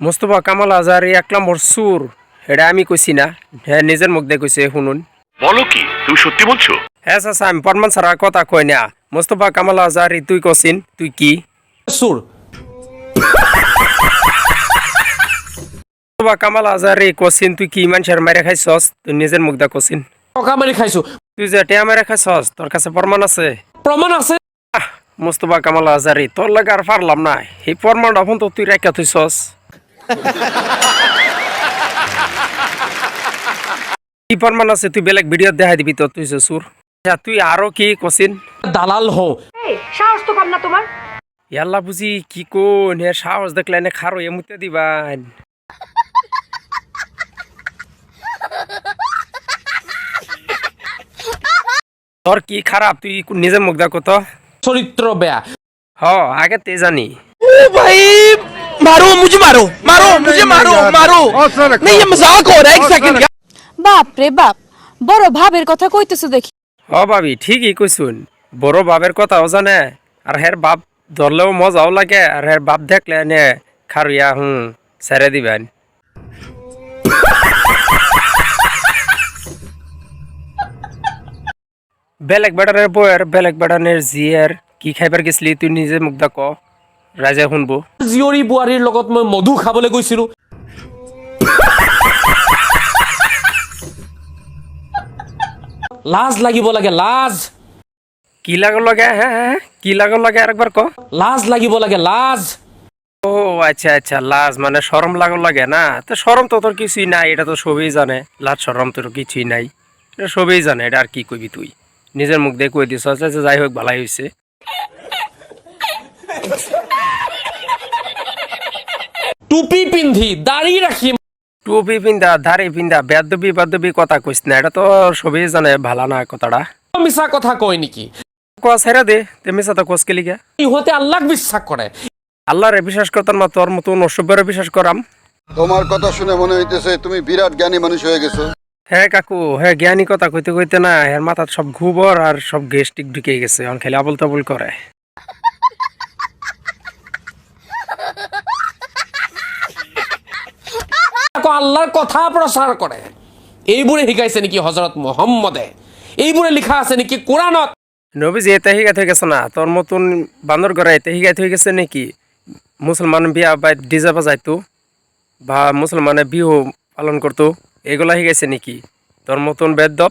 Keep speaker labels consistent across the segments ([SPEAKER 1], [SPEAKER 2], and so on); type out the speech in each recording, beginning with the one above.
[SPEAKER 1] মোস্তফা কামাল আজহারি 1 নম্বর সুর, এটা আমি কইছি না, হ্যাঁ নিজের মুখ দিয়ে কইছে, শুনুন।
[SPEAKER 2] বলো কি, তুমি সত্যি বলছো?
[SPEAKER 1] হ্যাঁ চাচা, আমি প্রমাণ ছাড়া কথা কই না। মোস্তফা কামাল আজহারি তুই কছিন, তুই কি
[SPEAKER 3] সুর?
[SPEAKER 1] মোস্তফা কামাল আজহারি কছিন তুই কি মানুষের মাইরে খাইছস? তুই নিজের মুখ দিয়ে কছিন।
[SPEAKER 3] টকা মারি খাইছো?
[SPEAKER 1] তুই যে টিয়া মাইরে খাইছস, তোর কাছে প্রমাণ আছে?
[SPEAKER 3] প্রমাণ আছে।
[SPEAKER 1] মোস্তফা কামাল আজহারি, তোর লাগে আর পারলাম না, এই প্রমাণটা এখন তো তুই রেখা থইছস। কি প্রমাণ আছে? তুই বেলেগ ভিডিও দেখাই দিবি তো, তুই যে সুর। তুই আরো কি কছিন?
[SPEAKER 3] দালাল হও।
[SPEAKER 4] সাহস তো কম না তোমার।
[SPEAKER 1] ইয়াল্লা বুঝি কি কোন হে, সাহস দেখলে এনে খারো এমুতে দিবান। তোর কি খারাপ, তুই নিজের মুখ দেখো তো।
[SPEAKER 3] চরিত্র বেয়া।
[SPEAKER 1] হ আগে তে জানি।
[SPEAKER 5] भाई मारो मुझे, मारो मारो मुझे, मारो मारो। नहीं ये मजाक हो रहा है, एक सेकंड का।
[SPEAKER 6] বাপ রে বাপ, বড় ভাবের কথা কইতেছো দেখি।
[SPEAKER 1] হ ভাবি ঠিকই কইছুন, বড় বাপের কথাও জানে, আর হের বাপ ধরলেও মজাও লাগে, আর হের বাপ দেখলে এনে খারুয়া ছেড়ে দিবেন। বেলেগ বেড়ানের বইয়ের, বেলেগ বেড়ানের জিয়ের কি খাইবার গেছিলি তুই নিজে মুখ দেখ, রাজা শুনবো।
[SPEAKER 3] জীয়ৰী বোৱাৰীৰ লগত মই মধু খাবলৈ গৈছিলো। লাজ লাগিব লাগে, লাজ।
[SPEAKER 1] কি লাগল লাগে? হ্যাঁ হ্যাঁ, কি লাগল লাগে আরেকবার ক।
[SPEAKER 3] লাজ লাগিব লাগে, লাজ।
[SPEAKER 1] ও আচ্ছা আচ্ছা, লাজ মানে শরম লাগল লাগে না? তো শরম তো তোর কিছুই নাই, এটা তো সবই জানে। লাজ শরম তোর কিছুই নাই, এটা সবই জানে। এটা আর কি কইবি তুই, নিজের মুখ দিয়ে কই দিস। আচ্ছা যাই হোক, ভালাই হয়েছে।
[SPEAKER 3] টুপি পিন্ধি দাড়ি রাখি,
[SPEAKER 1] টুপি পিন্ধা, দাড়ি পিন্ধা, বেদবি বাদবি কথা কইস না, এটা তো সবই জানে। ভালা না কথাটা,
[SPEAKER 3] মিছা কথা কয় নেকি?
[SPEAKER 1] কোয়া ছেড়ে দে, তেমনি সাথে কোস কে লিগা।
[SPEAKER 3] ইহঁতে আল্লাহক বিশ্বাস কৰে।
[SPEAKER 1] আল্লাহরে বিশ্বাস করতাম না, তোর মতো অসভ্যরে বিশ্বাস করাম।
[SPEAKER 7] তোমার কথা শুনে মনে হইতেছে তুমি বিরাট জ্ঞানী মানুষ হয়ে গেছো।
[SPEAKER 1] হ্যাঁ কাকু, হ্যাঁ জ্ঞানী কথা কইতে কইতে না, এর মাথার সব ঘুবর আর সব গেস্টিক ঢুকে গেছে, অন খালি আবল তাবল করে।
[SPEAKER 3] আল্লাহর কথা প্ৰচাৰ কৰে। এইবোৰে শিকাইছে নেকি হজরত মুহাম্মদে? এইবোৰে লিখা আছে নেকি কোরআনত?
[SPEAKER 1] নবীজি এতে হিগাত হয়ে গেছে না, তোর মতন বান্দর ঘরে এতে হিগাত হয়ে গেছে নাকি? মুসলমান বিয়া বা ডিজে বাজাইতো, বা মুসলমানে বিহু পালন করতো, এগুলা শিখাইছে নাকি তোর মতন বেদব?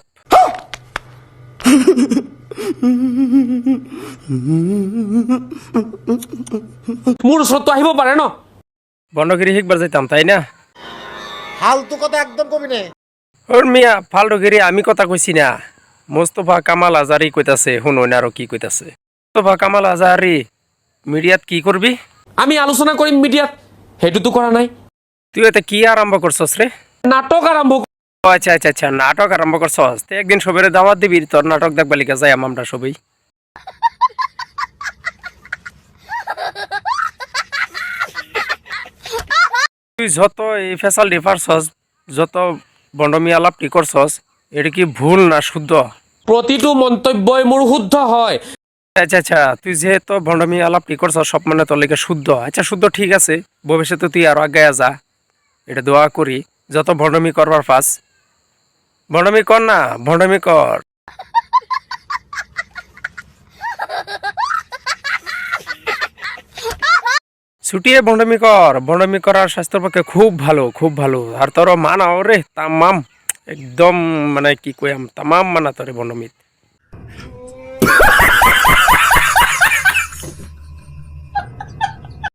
[SPEAKER 3] মোৰ ওচৰতো আহিব পাৰে ন?
[SPEAKER 1] বন্ডগিরি শিখবার যাইতাম, তাই না?
[SPEAKER 5] ফালতু কথা একদম কবি না।
[SPEAKER 1] ওর মিয়া ফালটুগিরি আমি কথা কইছি না, মোস্তফা কামাল আজহারি কইতাছে, শুনুন আরো কি কইতাছে। মোস্তফা কামাল আজহারি মিডিয়াত কি করবি?
[SPEAKER 3] আমি আলোচনা কৰিম মিডিয়াত, সেইটোতো কৰা নাই।
[SPEAKER 1] তুই এতে কি আরম্ভ করছস রে?
[SPEAKER 3] নাটক আৰম্ভ।
[SPEAKER 1] আচ্ছা আচ্ছা আচ্ছা, নাটক আরম্ভ করছস। একদিন সবের দাওয়াত দিবি, তোর নাটক দেখবা লিখা যাই আমরা সবাই। তুই যত এই ফেসাল ডিফারছস, যত বন্ডমি আলাপটি করছস, এটা কি ভুল না শুদ্ধ?
[SPEAKER 3] প্ৰতিটো মন্তব্যই মোৰ শুদ্ধ হয়।
[SPEAKER 1] আচ্ছা আচ্ছা, তুই যেহেতু ভণ্ডমি আলাপটি করছস, সব মানে তোর লেগে শুদ্ধ। আচ্ছা শুদ্ধ, ঠিক আছে, ভবিষ্যতে তুই আরো আগে যা, এটা দোয়া করি। যত ভণ্ডমি করবার পাস, ভণ্ডমি কর না, ভণ্ডমি কর। ছুটিয়ে ভণ্ডমি কর, ভণ্ডমি করার স্বাস্থ্যের পক্ষে খুব ভালো, খুব ভালো। আর তোর মানাও রে তামাম, একদম মানে কি কইয়াম, তামাম মানা তোরে ভণ্ডমিত।